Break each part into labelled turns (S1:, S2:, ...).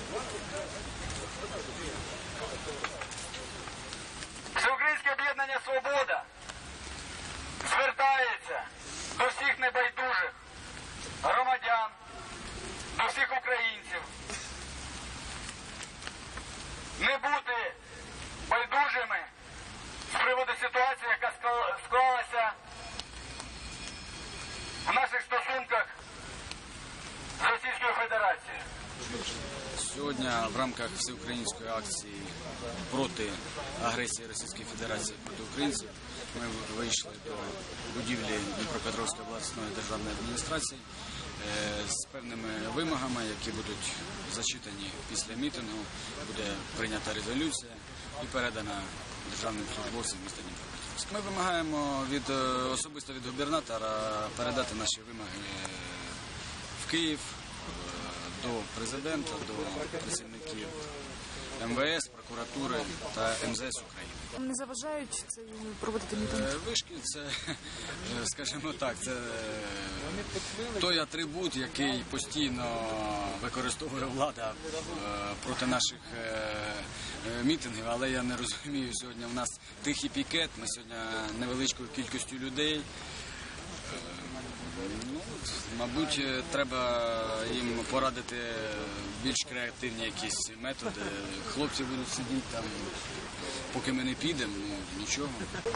S1: Всеукраїнське об'єднання «Свобода» звертається до всіх небайдужих громадян, до всіх українців не бути байдужими з приводу ситуації, яка склалася в наших стосунках з Російською Федерацією.
S2: Сьогодні в рамках всеукраїнської акції проти агресії Російської Федерації проти українців ми вийшли до будівлі Дніпропетровської обласної державної адміністрації з певними вимогами, які будуть зачитані після мітингу. Буде прийнята резолюція і передана державним службовцям міста Дніпропетровська. Ми вимагаємо особисто від губернатора передати наші вимоги в Київ, до президента, до працівників МВС, прокуратури та МЗС України.
S3: Не заважають це проводити мітинг?
S2: Вишки – це, скажімо так, це той атрибут, який постійно використовує влада проти наших мітингів, але я не розумію, сьогодні в нас тихий пікет, ми сьогодні невеличкою кількістю людей. Ну, мабуть, треба їм порадити більш креативні якісь методи. Хлопці будуть сидіти там, поки ми не підемо, ну, нічого.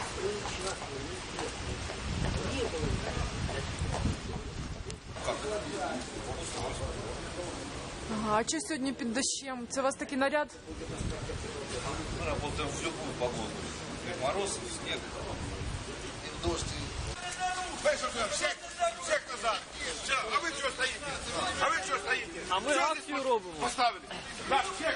S3: Ага, а що сьогодні під дощем? Це у вас такий наряд?
S4: Мы работаем в любую погоду. И мороз, и снег, и дождь.
S5: Всех назад! Все, а ви чого стоїте? А ви чого стоїте?
S6: А ми акцію робимо.
S5: Поставили. Так, всех!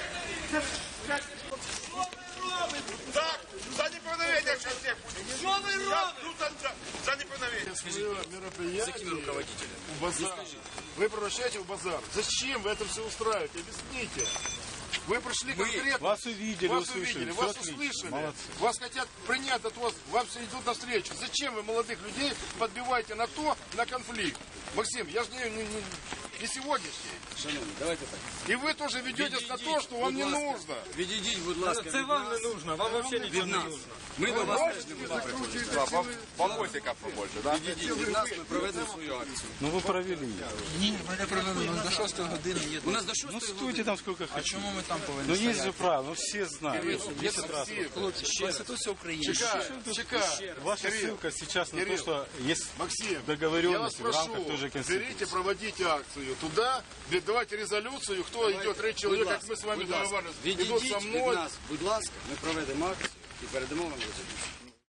S5: Що ви робите? Так, за неповиновення всех буде. Що ви робите? За неповиновення.
S7: Мероприятие у базара. Вы превращаете в базар. Зачем вы это все устраиваете? Объясните. Вы пришли конкретно.
S8: Вас увидели, услышали.
S7: Вас услышали.
S8: Молодцы.
S7: Вас хотят принять от вас, вам все идут навстречу. Зачем вы молодых людей подбиваете на то, на конфликт? Максим, я же не сегодняшний.
S2: Шановні, давайте так.
S7: И вы тоже ведетесь на то, что вам не нужно.
S2: Відійдіть, будь ласка,
S6: Це вам не нужно, вам взагалі нічого не нужно.
S2: Ми до вас теж не будемо приходити.
S5: Бабосика побольше, да?
S2: Відійдіть від нас, ми проведемо свою акцію.
S8: Ну вы провели.
S9: Ні, ми не провели, у нас до 6 години є.
S2: У нас до 6
S8: Ну стойте там сколько
S9: А
S8: хотите.
S9: чому ми там повинні
S8: Ну
S9: стояти?
S8: есть же правила, ну все знают. 10 раз.
S9: Хлопці, Конституція України.
S7: Чекай.
S8: Ваша ссылка сейчас на то, что есть
S7: Максим, я вас
S8: договоренность в
S7: прошу,
S8: рамках той же Конституции.
S7: берите, проводите акцию туда, давайте резолюцию, кто идет, 3 человека, как мы с вами договаривались, идут
S2: Відійдіть
S7: со
S2: від
S7: мной.
S2: нас, будь ласка, ми проведемо акцію і передамо вам резолюцію.